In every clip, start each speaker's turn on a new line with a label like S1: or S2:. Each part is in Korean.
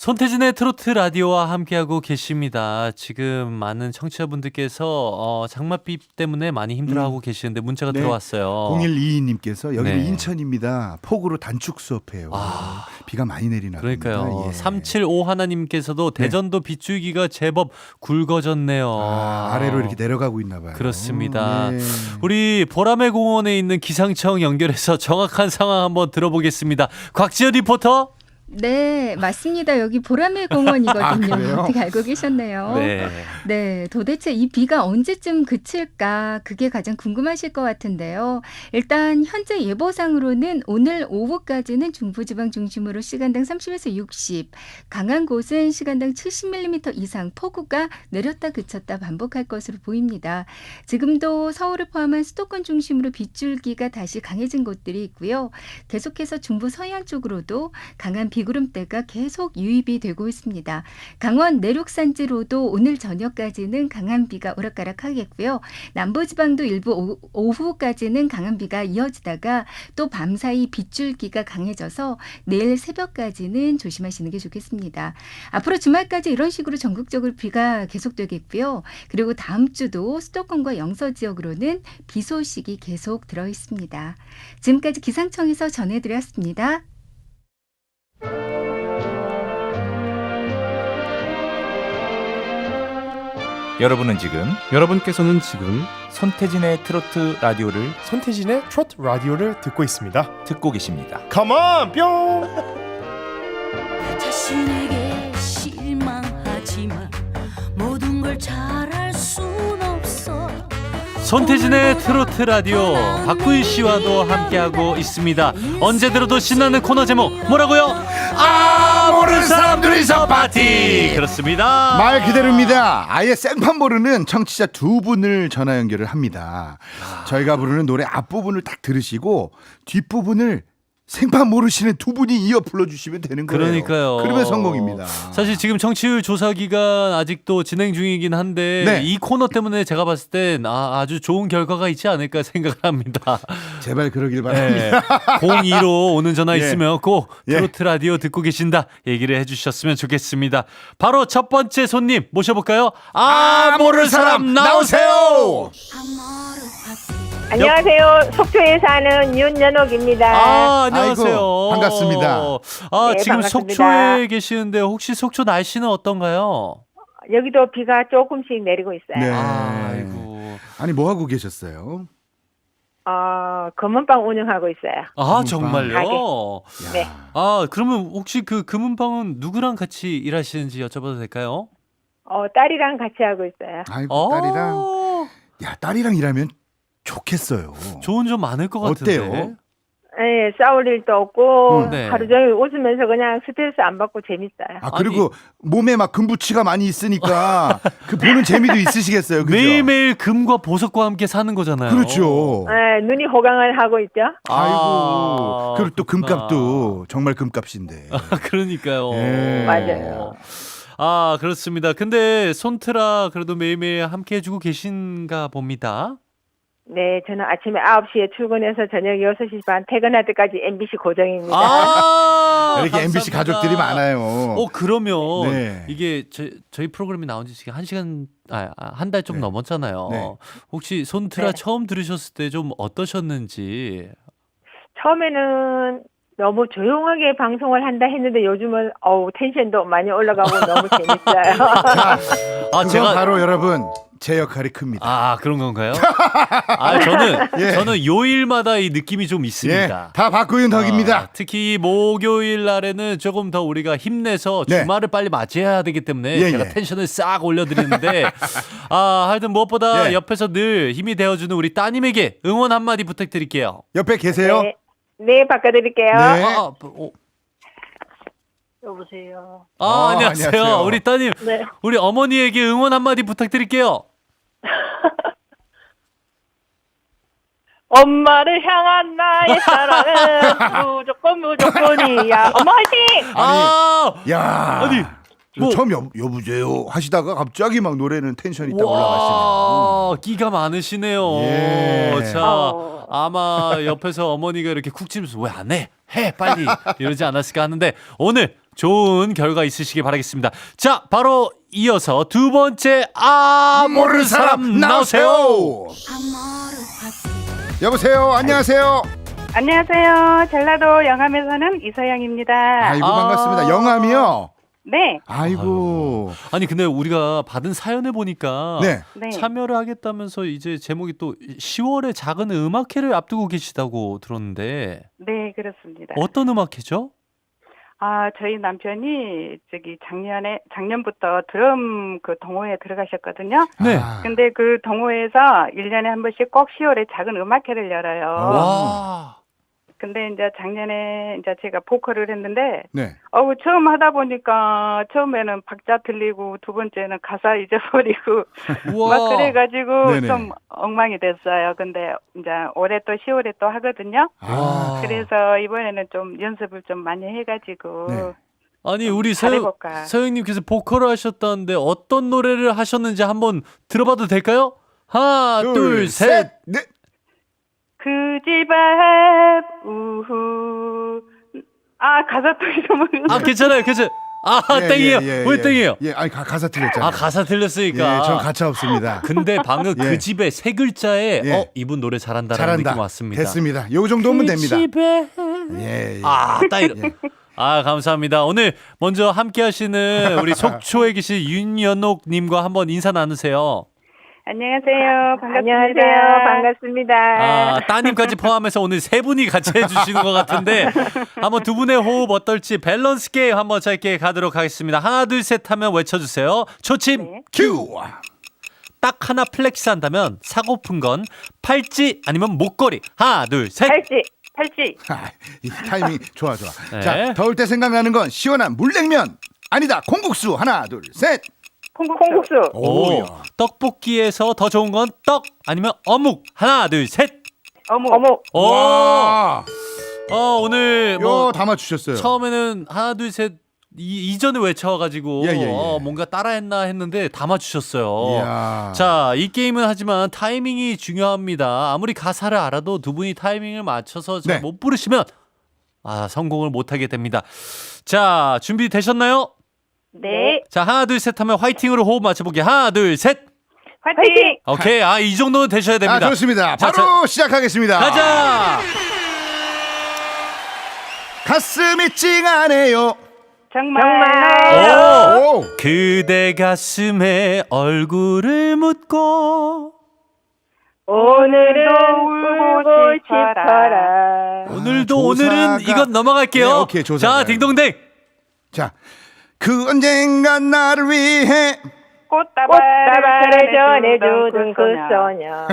S1: 손태진의 트로트 라디오와 함께하고 계십니다. 지금 많은 청취자분들께서 장맛비 때문에 많이 힘들어하고 계시는데 문자가
S2: 네.
S1: 들어왔어요.
S2: 0122님께서 여기는
S1: 네.
S2: 인천입니다. 폭우로 단축 수업해요. 비가 많이 내리나
S1: 그러니까요.
S2: 봅니다. 예.
S1: 375 하나님께서도 대전도 빗줄기가 제법 굵어졌네요.
S2: 아래로 이렇게 내려가고 있나 봐요.
S1: 그렇습니다.
S2: 네.
S1: 우리 보라매 공원에 있는 기상청 연결해서 정확한 상황 한번 들어보겠습니다. 곽지연 리포터.
S3: 네, 맞습니다. 여기 보라매 공원이거든요.
S2: 그래요?
S3: 어떻게 알고 계셨네요. 네, 도대체 이 비가 언제쯤 그칠까? 그게 가장 궁금하실 것 같은데요. 일단 현재 예보상으로는 오늘 오후까지는 중부지방 중심으로 시간당 30에서 60, 강한 곳은 시간당 70mm 이상 폭우가 내렸다 그쳤다 반복할 것으로 보입니다. 지금도 서울을 포함한 수도권 중심으로 빗줄기가 다시 강해진 곳들이 있고요. 계속해서 중부 서해안 쪽으로도 강한 비구름대가 계속 유입이 되고 있습니다. 강원 내륙산지로도 오늘 저녁까지는 강한 비가 오락가락하겠고요. 남부지방도 일부 오후까지는 강한 비가 이어지다가 또 밤사이 빗줄기가 강해져서 내일 새벽까지는 조심하시는 게 좋겠습니다. 앞으로 주말까지 이런 식으로 전국적으로 비가 계속되겠고요. 그리고 다음 주도 수도권과 영서 지역으로는 비 소식이 계속 들어 있습니다. 지금까지 기상청에서 전해드렸습니다.
S4: 여러분께서는 지금
S5: 손태진의 트로트 라디오를
S6: 손태진의 트로트 라디오를 듣고 있습니다.
S5: 듣고 계십니다.
S6: Come on, 뿅!
S7: 자신에게 실망하지만 모든 걸 잘할 순 없어.
S1: 손태진의 트로트 라디오 박구희 씨와도 함께하고 있습니다. 언제 들어도 신나는 코너 제목 뭐라고요? 모르는 사람 둘이서 파티. 그렇습니다.
S2: 말 그대로입니다. 아예 생판 모르는 청취자 두 분을 전화 연결을 합니다. 저희가 부르는 노래 앞부분을 딱 들으시고 뒷부분을 생판 모르시는 두 분이 이어 불러주시면 되는 거예요.
S1: 그러니까요.
S2: 그러면 성공입니다.
S1: 사실 지금 청취율 조사 기간 아직도 진행 중이긴 한데
S2: 네.
S1: 이 코너 때문에 제가 봤을 땐 아주 좋은 결과가 있지 않을까 생각을 합니다.
S2: 제발 그러길
S1: 네.
S2: 바랍니다.
S1: 02로 오는 전화
S2: 예.
S1: 있으면 꼭
S2: 예.
S1: 트로트 라디오 듣고 계신다 얘기를 해주셨으면 좋겠습니다. 바로 첫 번째 손님 모셔볼까요? 모르는 사람 나오세요.
S8: 안녕하세요. 속초에 사는 윤연옥입니다.
S1: 안녕하세요.
S2: 아이고, 반갑습니다.
S8: 네,
S1: 지금
S8: 반갑습니다.
S1: 속초에 계시는데 혹시 속초 날씨는 어떤가요?
S8: 여기도 비가 조금씩 내리고 있어요.
S2: 네.
S1: 아이고.
S2: 아니 뭐 하고 계셨어요?
S8: 검은빵 운영하고 있어요.
S1: 정말요?
S8: 가게. 네.
S1: 그러면 혹시 그 금은방은 누구랑 같이 일하시는지 여쭤봐도 될까요?
S8: 딸이랑 같이 하고 있어요.
S2: 아이고 딸이랑 일하면 좋겠어요.
S1: 좋은 점 많을 것 같은데.
S2: 어때요?
S8: 네, 싸울 일도 없고
S1: 네.
S8: 하루 종일 웃으면서 그냥 스트레스 안 받고 재밌어요.
S2: 그리고 몸에 막 금부치가 많이 있으니까 그 보는 재미도 있으시겠어요. 그죠?
S1: 매일매일 금과 보석과 함께 사는 거잖아요.
S2: 그렇죠.
S8: 네, 눈이 호강을 하고 있죠.
S2: 아이고. 그리고 또
S1: 그렇구나.
S2: 금값도 정말 금값인데.
S1: 그러니까요.
S2: 예.
S8: 맞아요.
S1: 그렇습니다. 근데 손트라 그래도 매일매일 함께 해주고 계신가 봅니다.
S8: 네, 저는 아침에 9시에 출근해서 저녁 6시 반 퇴근할 때까지 MBC 고정입니다.
S2: 이렇게 MBC
S1: 감사합니다.
S2: 가족들이 많아요.
S1: 그러면
S2: 네.
S1: 이게 저희 프로그램이 나온 지 지금 1시간 한 달 좀
S2: 네.
S1: 넘었잖아요.
S2: 네.
S1: 혹시 손트라
S8: 네.
S1: 처음 들으셨을 때 좀 어떠셨는지.
S8: 처음에는 너무 조용하게 방송을 한다 했는데 요즘은 텐션도 많이 올라가고 너무 재밌어요.
S2: 그건
S1: 제가
S2: 바로 여러분 제 역할이 큽니다.
S1: 그런 건가요?
S2: 예.
S1: 저는 요일마다 이 느낌이 좀 있습니다.
S2: 다 박구윤 덕입니다.
S1: 특히 목요일 날에는 조금 더 우리가 힘내서
S2: 네.
S1: 주말을 빨리 맞이해야 되기 때문에
S2: 예,
S1: 제가
S2: 예.
S1: 텐션을 싹 올려드리는데 하여튼 무엇보다
S2: 예.
S1: 옆에서 늘 힘이 되어주는 우리 따님에게 응원 한마디 부탁드릴게요.
S2: 옆에 계세요?
S8: 네, 바꿔드릴게요.
S2: 네.
S8: 여보세요.
S1: 안녕하세요.
S2: 안녕하세요.
S1: 우리 따님,
S8: 네.
S1: 우리 어머니에게 응원 한마디 부탁드릴게요.
S8: 엄마를 향한 나의 사랑은 무조건이야. 엄마 화이팅!
S2: 야,
S1: 아니,
S2: 뭐, 처음 여보세요 하시다가 갑자기 막 노래는 텐션이 딱 올라가시네요.
S1: 끼가 많으시네요.
S2: 예.
S1: 자, 아마 옆에서 어머니가 이렇게 쿡 찌면서 왜 안 해? 해 빨리 이러지 않았을까 하는데 오늘 좋은 결과 있으시길 바라겠습니다. 자, 바로 이어서 두 번째 모르는 사람 나오세요.
S7: 아모르 파티
S2: 여보세요. 안녕하세요.
S4: 안녕하세요. 전라도 영암에 사는 이서영입니다.
S2: 아이고 반갑습니다. 영암이요.
S4: 네,
S2: 아이고.
S1: 아니 근데 우리가 받은 사연을 보니까
S2: 네.
S4: 네.
S1: 참여를 하겠다면서 이제 제목이 또 10월에 작은 음악회를 앞두고 계시다고 들었는데
S4: 네, 그렇습니다.
S1: 어떤 음악회죠?
S4: 저희 남편이 작년부터 드럼 그 동호회에 들어가셨거든요.
S1: 네.
S4: 근데 그 동호회에서 1년에 한 번씩 꼭 10월에 작은 음악회를 열어요.
S1: 와.
S4: 근데 이제 작년에 이제 제가 보컬을 했는데,
S2: 네.
S4: 처음 하다 보니까 처음에는 박자 틀리고 두 번째는 가사 잊어버리고
S1: 우와.
S4: 막 그래가지고
S2: 네네.
S4: 좀 엉망이 됐어요. 근데 이제 올해 또 10월에 또 하거든요.
S2: 아.
S4: 그래서 이번에는 좀 연습을 좀 많이 해가지고
S2: 네.
S1: 아니 우리
S4: 잘해볼까.
S1: 서영님께서 보컬을 하셨다는데 어떤 노래를 하셨는지 한번 들어봐도 될까요? 하나, 둘, 셋.
S2: 넷.
S4: 그 집 앞 우후 가사 또 잊어버렸어.
S1: 괜찮아요.
S2: 예,
S1: 땡이에요.
S2: 예,
S1: 왜
S2: 예.
S1: 땡이에요?
S2: 예, 아니 가사 틀렸잖아요.
S1: 가사 틀렸으니까.
S2: 예, 전 가차 없습니다.
S1: 근데 방금
S2: 예.
S1: 그 집에 세 글자에
S2: 예.
S1: 이분 노래 잘한다라는
S2: 잘한다.
S1: 느낌 왔습니다.
S2: 됐습니다. 요 정도면 됩니다.
S1: 집에
S2: 예. 예.
S1: 딱 이런.
S2: 예.
S1: 감사합니다. 오늘 먼저 함께 하시는 우리 속초에 계신 윤연옥 님과 한번 인사 나누세요.
S4: 안녕하세요. 반갑습니다.
S8: 안녕하세요. 반갑습니다.
S1: 따님까지 포함해서 오늘 세 분이 같이 해주시는 것 같은데 한번 두 분의 호흡 어떨지 밸런스 게임 한번 짧게 가도록 하겠습니다. 하나 둘 셋 하면 외쳐주세요. 초침
S4: 네.
S2: 큐.
S1: 딱 하나 플렉스 한다면 사고픈 건 팔찌 아니면 목걸이. 하나 둘 셋.
S4: 팔찌.
S2: 이 타이밍 좋아.
S1: 네.
S2: 자, 더울 때 생각나는 건 시원한 물냉면. 아니다. 콩국수. 하나, 둘, 셋.
S8: 콩국수.
S1: 오, 떡볶이에서 더 좋은 건 떡 아니면 어묵. 하나 둘 셋.
S8: 어묵.
S1: 오.
S2: 와.
S1: 오늘
S2: 요 다 맞추셨어요.
S1: 처음에는 하나 둘 셋 이전에 외쳐가지고
S2: 예.
S1: 뭔가 따라했나 했는데 다 맞추셨어요.
S2: 이야.
S1: 자, 이 게임은 하지만 타이밍이 중요합니다. 아무리 가사를 알아도 두 분이 타이밍을 맞춰서 잘
S2: 네.
S1: 못 부르시면 성공을 못하게 됩니다. 자, 준비되셨나요?
S4: 네.
S1: 자, 하나 둘 셋 하면 화이팅으로 호흡 맞춰보기. 하나 둘 셋.
S4: 화이팅.
S1: 오케이. 이 정도는 되셔야 됩니다.
S2: 좋습니다.
S1: 자,
S2: 바로 시작하겠습니다.
S1: 가자.
S2: 가슴이 찡하네요.
S4: 정말.
S1: 오. 그대 가슴에 얼굴을 묻고
S8: 오늘은 울고 싶어라.
S1: 오늘도
S2: 조사가-
S1: 오늘은 이건 넘어갈게요.
S2: 네, 오케이, 조사가.
S1: 자, 딩동댕.
S2: 자, 그 언젠간 나를 위해
S8: 꽃다발을 전해주던 그 소녀.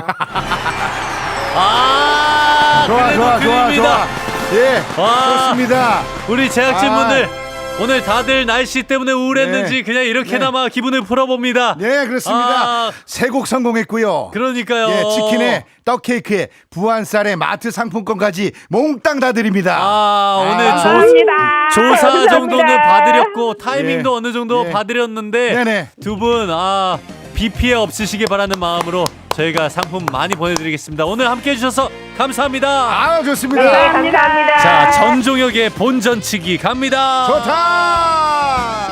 S1: 그래도 그립니다.
S2: 예,
S1: 와.
S2: 좋습니다.
S1: 우리 제작진분들 오늘 다들 날씨 때문에 우울했는지
S2: 네.
S1: 그냥 이렇게나마 기분을 풀어봅니다.
S2: 네, 그렇습니다. 세 곡 성공했고요.
S1: 그러니까요.
S2: 예, 치킨에 떡 케이크에 부안쌀에 마트 상품권까지 몽땅 다 드립니다.
S1: 오늘
S8: 감사합니다.
S1: 조사
S8: 감사합니다.
S1: 정도는 봐드렸고 타이밍도
S2: 예.
S1: 어느 정도
S2: 예.
S1: 봐드렸는데
S2: 네네.
S1: 두 분 비 피해 없으시길 바라는 마음으로 저희가 상품 많이 보내드리겠습니다. 오늘 함께해 주셔서 감사합니다.
S2: 좋습니다.
S8: 네, 감사합니다.
S1: 자, 전종혁의 본전치기 갑니다.
S2: 좋다.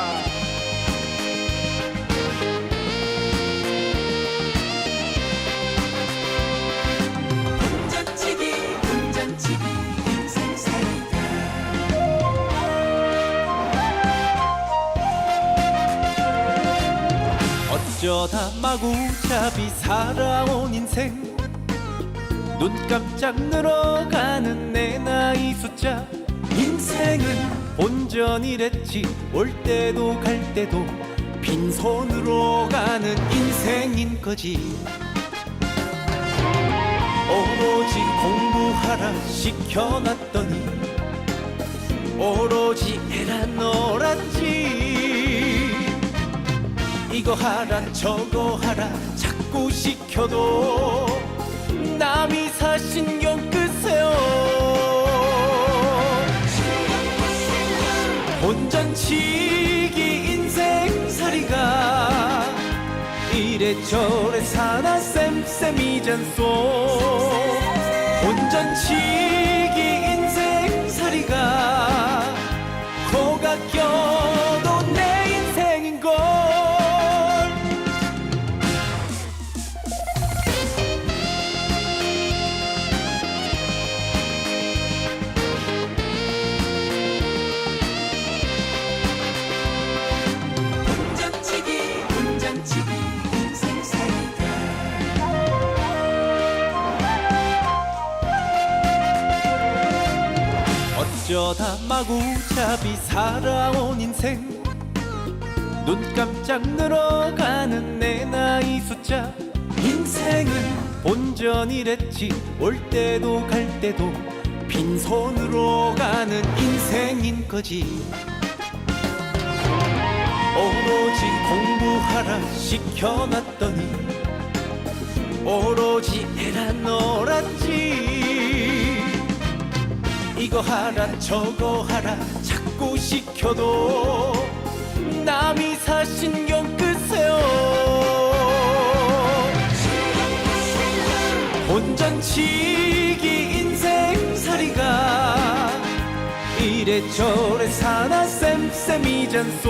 S9: 어쩌다 마구잡이 살아온 인생 눈 깜짝 늘어가는 내 나이 숫자 인생은 본전이랬지 올 때도 갈 때도 빈손으로 가는 인생인 거지 오로지 공부하라 시켜놨더니 오로지 애라 놀았지 이거 하라 저거 하라 자꾸 시켜도 남이 사 신경 끄세요 본전치기 인생살이가 이래저래 사나 쌤쌤이잖소 본전치기 인생살이가 코가 껴 어쩌다 마구잡이 살아온 인생 눈 깜짝 늘어가는 내 나이 숫자 인생은 본전이랬지 올 때도 갈 때도 빈손으로 가는 인생인 거지 오로지 공부하라 시켜놨더니 오로지 애라 놀았지 이거 하라 저거 하라 자꾸 시켜도 남이 사 신경 끄세요 혼전치기 인생살이가 이래저래 사나 쌤쌤이잖소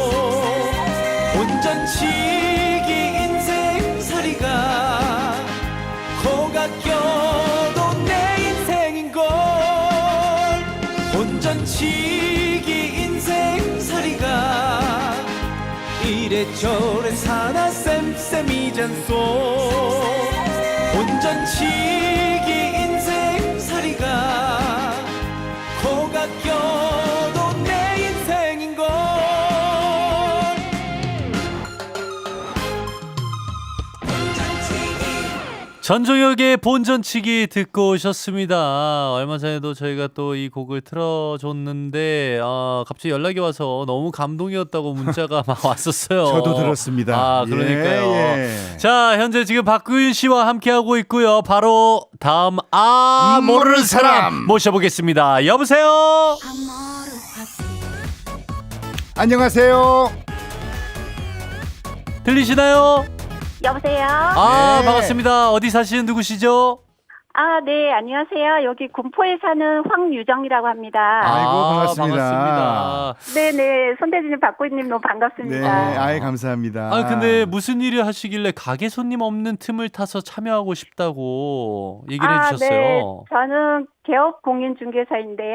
S9: 혼전치기 인생살이가 코가 껴도 내 인생인걸 혼전치기 인생살이가 이래저래 사나 쌤쌤이잖소 혼전치기 인생살이가 코가 껴도 내 인생인걸
S1: 전종혁의 본전치기 듣고 오셨습니다. 얼마 전에도 저희가 또 이 곡을 틀어줬는데 갑자기 연락이 와서 너무 감동이었다고 문자가 막 왔었어요.
S2: 저도 들었습니다.
S1: 아, 그러니까요.
S2: 예.
S1: 자, 현재 지금 박구윤 씨와 함께하고 있고요. 바로 다음 모르는 사람 모셔보겠습니다. 여보세요.
S2: 안녕하세요.
S1: 들리시나요?
S8: 여보세요?
S2: 네.
S1: 반갑습니다. 어디 사시는 누구시죠?
S8: 네, 안녕하세요. 여기 군포에 사는 황유정이라고 합니다.
S2: 아이고, 반갑습니다.
S1: 반갑습니다.
S8: 네네, 손대진님, 박구희님 너무
S2: 네,
S8: 반갑습니다.
S2: 아이 감사합니다.
S1: 근데 무슨 일을 하시길래 가게 손님 없는 틈을 타서 참여하고 싶다고 얘기를 해주셨어요.
S8: 네, 저는 개업 공인중개사인데요.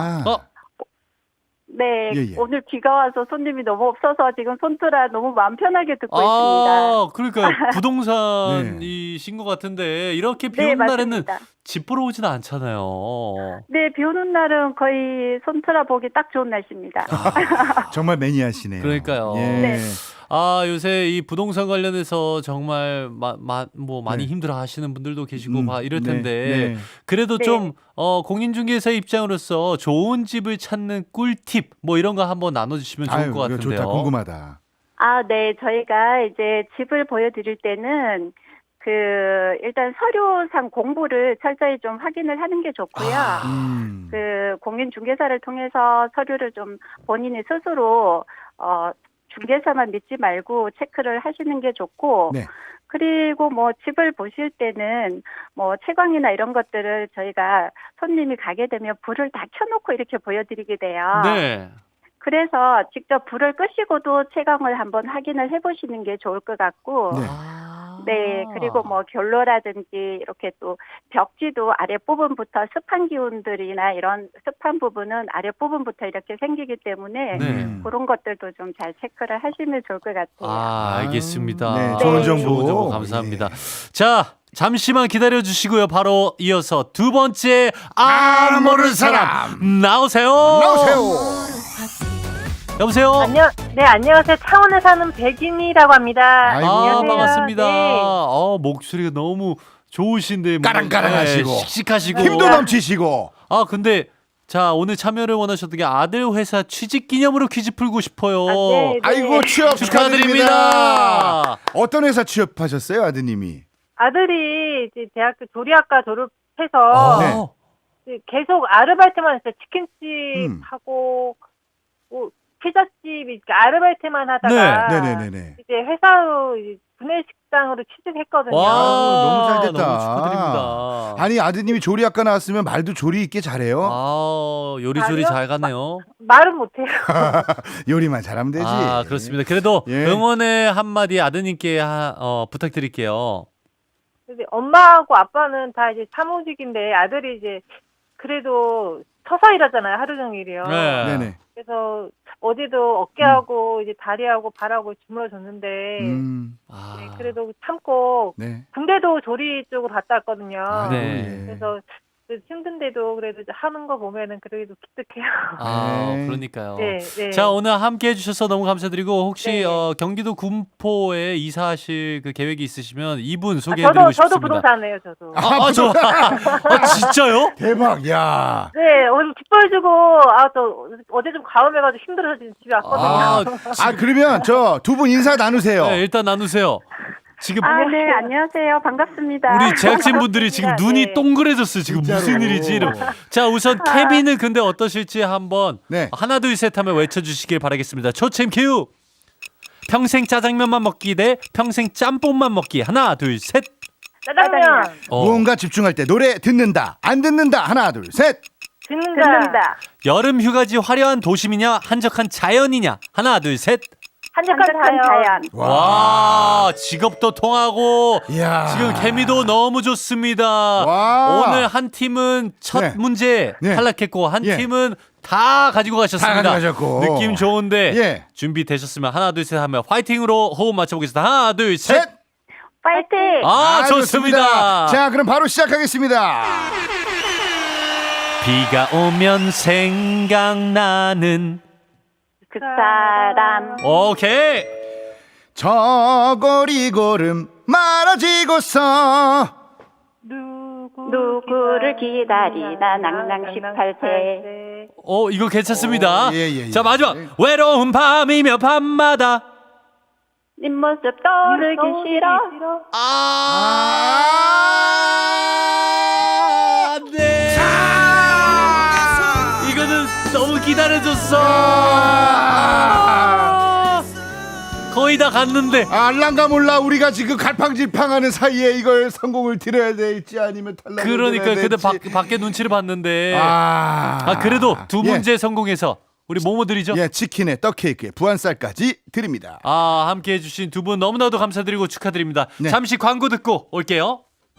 S8: 네,
S2: 예.
S8: 오늘 비가 와서 손님이 너무 없어서 지금 손트라 너무 마음 편하게 듣고 있습니다.
S1: 그러니까 부동산이신 것 같은데 이렇게 비 오는 날에는
S8: 맞습니다.
S1: 집 보러 오지는 않잖아요.
S8: 네, 비 오는 날은 거의 손트라 보기 딱 좋은 날씨입니다.
S2: 정말 매니아시네요.
S1: 그러니까요.
S2: 예.
S8: 네.
S1: 요새 이 부동산 관련해서 정말 많이
S2: 네.
S1: 힘들어 하시는 분들도 계시고 이럴 텐데
S2: 네.
S1: 그래도
S8: 네.
S1: 좀 공인중개사 입장으로서 좋은 집을 찾는 꿀팁 이런 거 한번 나눠주시면 좋을 것
S2: 이거
S1: 같은데요.
S2: 좋다. 궁금하다.
S8: 네, 저희가 이제 집을 보여드릴 때는 일단 서류상 공부를 철저히 좀 확인을 하는 게 좋고요. 공인중개사를 통해서 서류를 좀 본인이 스스로 중개사만 믿지 말고 체크를 하시는 게 좋고,
S2: 네.
S8: 그리고 집을 보실 때는 채광이나 이런 것들을 저희가 손님이 가게 되면 불을 다 켜놓고 이렇게 보여드리게 돼요.
S1: 네.
S8: 그래서 직접 불을 끄시고도 채광을 한번 확인을 해보시는 게 좋을 것 같고,
S2: 네.
S8: 네, 그리고 결로라든지 이렇게 또 벽지도 아랫부분부터 습한 기운들이나 이런 습한 부분은 아랫부분부터 이렇게 생기기 때문에
S1: 네.
S8: 그런 것들도 좀 잘 체크를 하시면 좋을 것 같아요.
S1: 알겠습니다.
S2: 네,
S8: 좋은
S2: 정보.
S1: 좋은 정보 감사합니다. 자, 잠시만 기다려 주시고요. 바로 이어서 두 번째 모르는 사람 나오세요. 여보세요.
S8: 안녕하세요. 창원에 사는 백인이라고 합니다.
S2: 아이고.
S8: 안녕하세요.
S1: 반갑습니다.
S8: 네.
S1: 목소리가 너무 좋으신데
S2: 까랑까랑하시고.
S1: 씩씩하시고
S2: 힘도 넘치시고.
S1: 근데 자, 오늘 참여를 원하셨던 게 아들 회사 취직 기념으로 퀴즈 풀고 싶어요.
S8: 네.
S2: 아이고, 취업 축하드립니다.
S1: 축하드립니다.
S2: 어떤 회사 취업하셨어요, 아드님이?
S8: 아들이 이제 대학교 조리학과 졸업해서
S2: 네.
S8: 계속 아르바이트만 했어요. 치킨집 하고 피자집 이렇게 아르바이트만 하다가
S2: 네네네네.
S8: 이제 회사로 구내식당으로 취직했거든요.
S2: 너무 잘 됐다.
S1: 너무 축하드립니다.
S2: 아니, 아드님이 조리학과 나왔으면 말도 조리 있게 잘해요.
S1: 요리조리
S8: 아니요.
S1: 잘 가네요.
S8: 말은 못해요.
S2: 요리만 잘하면 되지.
S1: 그렇습니다. 그래도
S2: 예.
S1: 응원의 한마디 아드님께 부탁드릴게요.
S8: 근데 엄마하고 아빠는 다 이제 사무직인데 아들이 이제 그래도 서서 일하잖아요. 하루 종일이요.
S1: 네.
S2: 네네.
S8: 그래서 어제도 어깨하고 이제 다리하고 발하고 주물러줬는데 네, 그래도 참고
S2: 네.
S8: 군대도 조리 쪽으로 갔다 왔거든요.
S1: 네.
S8: 그래서
S10: 힘든데도 그래도 하는 거 보면은 그래도 기특해요.
S1: 아,
S2: 네.
S1: 그러니까요.
S10: 네, 네.
S1: 자, 오늘 함께 해주셔서 너무 감사드리고 혹시
S10: 네.
S1: 경기도 군포에 이사하실 그 계획이 있으시면 이분 소개해드리고 싶습니다.
S10: 저도 부동산이에요, 저도.
S1: 좋아. 진짜요?
S2: 대박. 야.
S10: 네, 오늘 기뻐해주고 저 어제 좀 가음해가지고 힘들어서 지금 집에 왔거든요.
S2: 그러면 저 두 분 인사 나누세요.
S1: 네, 일단 나누세요. 지금
S8: 네, 안녕하세요. 반갑습니다.
S1: 우리 제작진분들이 지금 눈이 동그래졌어요. 지금 무슨 일이지? 이러고. 자, 우선 케빈은 근데 어떠실지 한번
S2: 네.
S1: 하나 둘 셋 하면 외쳐주시길 바라겠습니다. 초침 큐. 평생 짜장면만 먹기 대 평생 짬뽕만 먹기. 하나 둘 셋.
S10: 짜장면
S2: 무언가 집중할 때 노래 듣는다. 안 듣는다. 하나 둘 셋.
S10: 듣는다.
S1: 여름 휴가지 화려한 도심이냐 한적한 자연이냐. 하나 둘 셋.
S10: 한적한 자연.
S1: 와, 직업도 통하고
S2: 이야.
S1: 지금 케미도 너무 좋습니다.
S2: 와.
S1: 오늘 한 팀은 첫
S2: 네.
S1: 문제
S2: 네.
S1: 탈락했고 한
S2: 예.
S1: 팀은 다 가지고 가셨습니다.
S2: 다 가져가셨고.
S1: 느낌 좋은데
S2: 예.
S1: 준비되셨으면 하나 둘 셋 하면 화이팅으로 호흡 맞춰보겠습니다. 하나 둘 셋.
S2: 셋.
S8: 파이팅!
S1: 좋습니다.
S2: 자, 그럼 바로 시작하겠습니다.
S1: 비가 오면 생각나는
S8: 그 사람
S1: 오케이.
S2: 저 거리 걸음 말아지고서
S8: 누구를 기다리나 낭낭 18세
S1: 이거 괜찮습니다.
S2: 예.
S1: 자, 마지막. 외로운 밤이며 밤마다
S8: 네 모습 떠오르기 싫어
S1: 네. 이거는 너무 기다려줬어. 거의 다 갔는데.
S2: 알랑가 몰라 우리가 지금 갈팡질팡하는 사이에 이걸 성공을 드려야 될지 아니면 탈락을
S1: 그러니까
S2: 드려야
S1: 근데
S2: 될지.
S1: 밖에 눈치를 봤는데.
S2: 아,
S1: 그래도 두
S2: 예.
S1: 문제 성공해서 우리 뭐뭐 드리죠?
S2: 예, 치킨에 떡케이크에 부안쌀까지 드립니다.
S1: 함께 해주신 두 분 너무나도 감사드리고 축하드립니다.
S2: 네.
S1: 잠시 광고 듣고 올게요.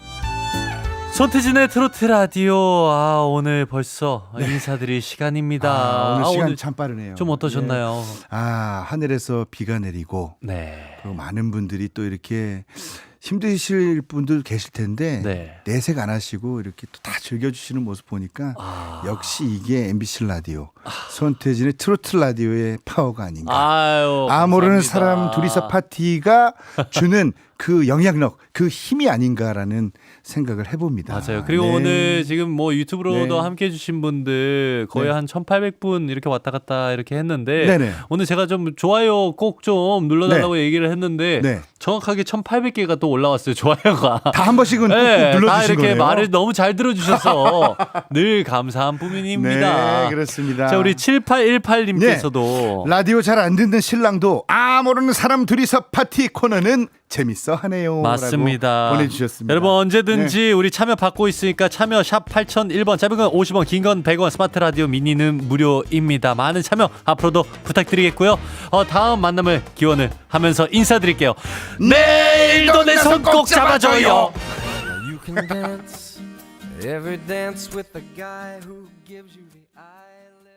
S1: 손태진의 트로트 라디오. 오늘 벌써 인사드릴 시간입니다.
S2: 오늘 시간
S1: 오늘
S2: 참 빠르네요.
S1: 좀 어떠셨나요?
S2: 예. 하늘에서 비가 내리고
S1: 네.
S2: 또 많은 분들이 또 이렇게 힘드실 분들 계실 텐데
S1: 네.
S2: 내색 안 하시고 이렇게 또 다 즐겨주시는 모습 보니까 역시 이게 MBC 라디오 손태진의 트로트 라디오의 파워가 아닌가. 모르는
S1: 감사합니다.
S2: 사람 둘이서 파티가 주는 그 영향력, 그 힘이 아닌가라는 생각을 해봅니다.
S1: 맞아요. 그리고
S2: 네.
S1: 오늘 지금 뭐 유튜브로도
S2: 네.
S1: 함께 해주신 분들 거의
S2: 네.
S1: 한 1,800분 이렇게 왔다 갔다 이렇게 했는데
S2: 네네.
S1: 오늘 제가 좀 좋아요 꼭 좀 눌러달라고 얘기를 했는데
S2: 네.
S1: 정확하게 1,800개가 또 올라왔어요. 좋아요가.
S2: 다 한 번씩은 꼭
S1: 네, 다
S2: 눌러주신
S1: 이렇게
S2: 거네요.
S1: 말을 너무 잘 들어주셔서 늘 감사한 뿐입니다.
S2: 네, 그렇습니다.
S1: 자, 우리 7818님께서도
S2: 라디오 잘 안 듣는 신랑도 모르는 사람 둘이서 파티 코너는 재밌어 하네요.
S1: 맞습니다.
S2: 라고 보내주셨습니다.
S1: 여러분 언제든지 우리 참여 받고 있으니까 참여 샵 8001번 짧은 건 50원 긴 건 100원 스마트 라디오 미니는 무료입니다. 많은 참여 앞으로도 부탁드리겠고요. 다음 만남을 기원을 하면서 인사드릴게요. 내일도 내 손 꼭 잡아줘요.
S9: You can dance every dance with the guy who gives you the